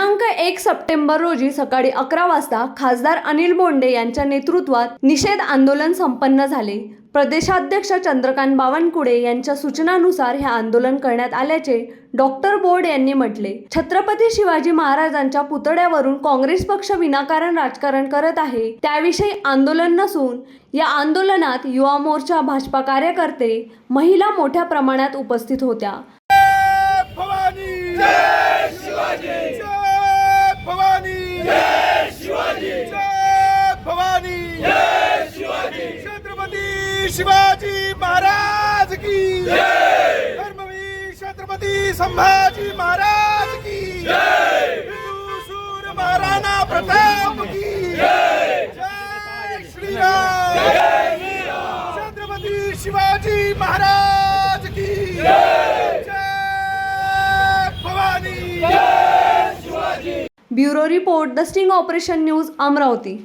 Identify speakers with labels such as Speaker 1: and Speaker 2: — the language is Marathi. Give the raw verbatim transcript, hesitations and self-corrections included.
Speaker 1: दिनांक एक सप्टेंबर रोजी सकाळी अकरा वाजता खासदार अनिल बोंडे यांच्या नेतृत्वात निषेध आंदोलन संपन्न झाले। प्रदेशाध्यक्ष चंद्रकांत बावनकुळे यांच्या सूचनानुसार हे आंदोलन करण्यात आल्याचे डॉक्टर बोर्ड यांनी म्हटले। छत्रपती शिवाजी महाराजांच्या पुतळ्यावरून काँग्रेस पक्ष विनाकारण राजकारण करत आहे, त्याविषयी आंदोलन नसून या आंदोलनात युवा मोर्चा, भाजपा कार्यकर्ते, महिला मोठ्या प्रमाणात उपस्थित होत्या।
Speaker 2: भवानी जय शिवाजी, जय भवानी जय शिवाजी, जय भवानी जय शिवाजी, छत्रपती शिवाजी महाराज की जय, धर्मवीर छत्रपती संभाजी महाराज की जय, हिंदू सूर महाराणा प्रताप की जय, जय श्रीराम, जय श्रीराम, छत्रपती शिवाजी महाराज की जय, जय भवानी जय Shivaji.
Speaker 1: Bureau report, the sting operation news, Amravati.